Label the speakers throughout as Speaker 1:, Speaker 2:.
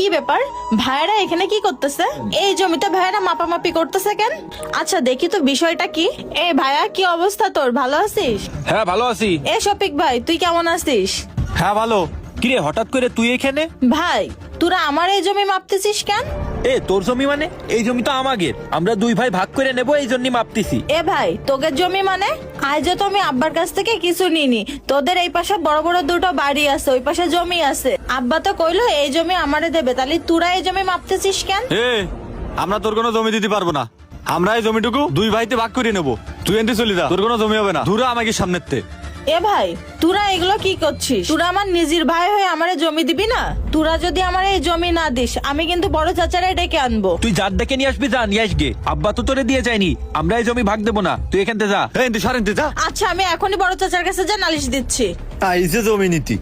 Speaker 1: কি ব্যাপার, ভাইরা এখানে কি করতেছে? এই জমিতে ভাইরা মাপামাপি করতেছে কেন? আচ্ছা দেখি তো বিষয়টা কি। এ ভাইয়া, কি অবস্থা তোর? ভালো আছিস?
Speaker 2: হ্যাঁ ভালো আছি।
Speaker 1: এ শফিক ভাই, তুই কেমন আছিস?
Speaker 2: হ্যাঁ ভালো। কিরে হঠাৎ করে তুই এখানে?
Speaker 1: ভাই, তোরা আমার এই জমি মাপতেছিস কেন?
Speaker 2: এ তোর জমি মানে? এই জমি তো আমাদের, আমরা দুই ভাই ভাগ করে নেব, এই জন্যই মাপতেছি।
Speaker 1: এ ভাই, তোদের জমি মানে? আজ তো আমি আব্বার কাছ থেকে কিছু নিনি। তোদের এই পাশে বড় বড় দুটো বাড়ি আছে, ওই পাশে জমি আছে। আব্বা তো কইলো এই জমি আমারে দেবে, তাহলে তোরা এই জমি মাপতেছিস কেন?
Speaker 3: আমরা তোর কোনো জমি দিতে পারবো না। আমরা এই জমিটুকু দুই ভাইতে ভাগ করে নেবো। তুই এনতে চলি যা, তোর কোনো জমি হবে না। দূরা আমাকে সামনেতে।
Speaker 1: এ ভাই, তোরা এগুলো কি করছিস? তোরা আমার নিজের ভাই হয়ে আমারে জমি দিবি না? তোরা যদি আমার এই জমি না দিস, আমি কিন্তু বড় চাচারে ডেকে আনবো।
Speaker 2: তুই যার ডেকে নিয়ে আসবি, যা নিয়ে আসগে। আব্বা তো তোরে দিয়ে যায়নি, আমরা এই জমি ভাগ দেবো না, তুই এখান থেকে যা।
Speaker 3: এনতে সরেনতে যা।
Speaker 1: আচ্ছা, আমি এখনই বড় চাচার কাছে যা নালিশ দিচ্ছি।
Speaker 3: আইসে জমি নীতি।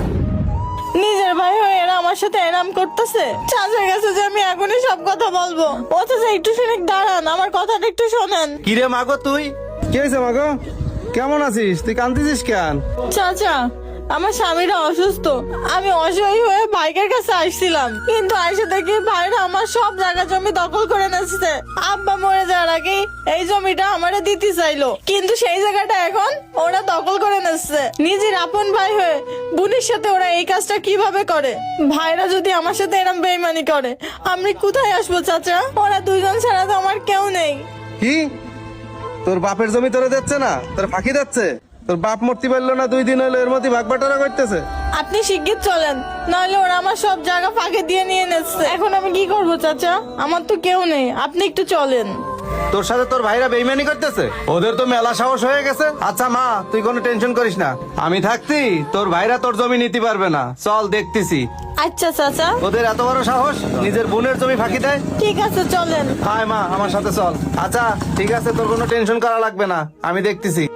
Speaker 1: নিজের ভাই হয়ে এরা আমার সাথে এরাম করতেছে। চাচার কাছে যে আমি এখনই সব কথা বলবো। ও চাচা, একটু শুনে দাঁড়ান, আমার কথাটা একটু শোনেন।
Speaker 3: কিরে মাগো তুই?
Speaker 4: কি হয়েছে মাগো? কেমন আছিস? তুই কাঁদতেছিস কেন?
Speaker 1: চাচা, আমার স্বামীরা অসুস্থ। আমি অসহায় হয়ে ভাইয়ের কাছে আসছিলাম, কিন্তু আইসে দেখি ভাইরা আমার সব জায়গা জমি দখল করে নিচ্ছে। আব্বা মরে যাওয়ার আগে এই জমিটা আমারে দিতে চাইলো, কিন্তু সেই জায়গাটা এখন ওরা দখল করে নিচ্ছে। নিজের আপন ভাই হয়ে বোনের সাথে ওরা এই কাজটা কিভাবে করে? ভাইরা যদি আমার সাথে এরম বেইমানি করে, আমি কোথায় আসবো চাচা? ওরা দুইজন ছাড়া তো আমার কেউ নেই।
Speaker 4: কি তোর বাপের জমি তোরে দিচ্ছে না? তোর ফাঁকি দিচ্ছে? তোর বাপ মরতে পারলো না 2 দিন হলো, এর মধ্যে ভাগ বাটোয়ারা করতেছে।
Speaker 1: আপনি শিগগির চলেন, নাহলে ওরা আমার সব জায়গা ফাঁকে দিয়ে নিয়ে নিচ্ছে। এখন আমি কি করবো চাচা? আমার তো কেউ নেই, আপনি একটু চলেন।
Speaker 4: তোর সাথে তোর ভাইরা বেইমানি করতেছে? ওদের তো মেলা সাহস হয়ে গেছে। আচ্ছা মা, তুই কোনো টেনশন করিস না, আমি থাকতি তোর ভাইরা তোর জমি নিতে পারবে না। চল দেখতেছি।
Speaker 1: আচ্ছা চাচা,
Speaker 4: ওদের এত বড় সাহস, নিজের বোনের জমি ফাঁকি দেয়।
Speaker 1: ঠিক আছে চলেন।
Speaker 4: হায় মা, আমার সাথে চল। আচ্ছা ঠিক আছে, তোর কোনো টেনশন করা লাগবে না, আমি দেখতেছি।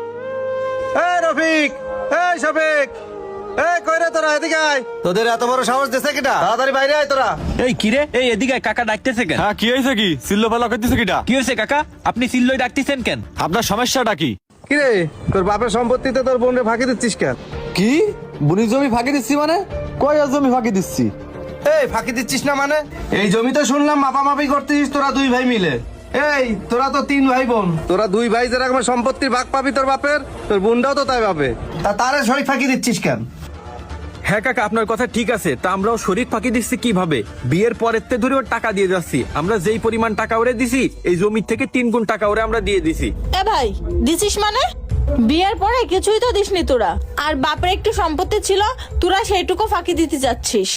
Speaker 4: এই রফিক, এই শফিক, এই কই রে তোরা? এদিকে আয়। তোদের এত বড় সাহস দিছে কিটা? তাড়াতাড়ি বাইরে আয় তোরা।
Speaker 2: এই কিরে, এই এদিকে আয়, কাকা ডাকতেছে কেন?
Speaker 3: হ্যাঁ কি হয়েছে? কি সিল্লো ফেলা করতেছে কিটা?
Speaker 2: কি হয়েছে কাকা, আপনি সিল্লই ডাকতেছেন কেন?
Speaker 3: আপনার সমস্যাটা কি?
Speaker 4: কিরে, তোর বাপের সম্পত্তিতে তোর বোনরে ফাঁকি দিচ্ছিস কেন?
Speaker 5: কি বুনির জমি ফাঁকি দিচ্ছি মানে? কয় আর জমি ফাঁকি দিচ্ছি?
Speaker 4: এই ফাঁকি দিচ্ছিস না মানে? এই জমিতে শুনলাম মাপামাপি করতিস তোরা 2 ভাই মিলে। এই তোরা তো 3 ভাই বোন, তোরা 2 ভাই যেরকম সম্পত্তির ভাগ পাবি তোর বাপের, তোর বোনটাও তো তাই পাবে। তা তারে শরীর ফাঁকি দিচ্ছিস কেন?
Speaker 2: হ্যাঁ কাকা, আপনার কথা ঠিক আছে। তা আমরাও শরীর ফাঁকি দিচ্ছি কিভাবে? বিয়ের পরের তে ধরে ওর টাকা দিয়ে যাচ্ছি। আমরা যেই পরিমাণ টাকা ওরে দিছি, এই জমির থেকে 3 গুণ টাকা ওরে আমরা দিয়ে দিছি।
Speaker 1: এ ভাই, দিছিস মানে? বিয়ের পরে কিছুই তো দিসনি তোরা, আর বাপের একটু সম্পত্তি ছিল, তোরা সেইটুকু ফাঁকি দিতে যাচ্ছিস।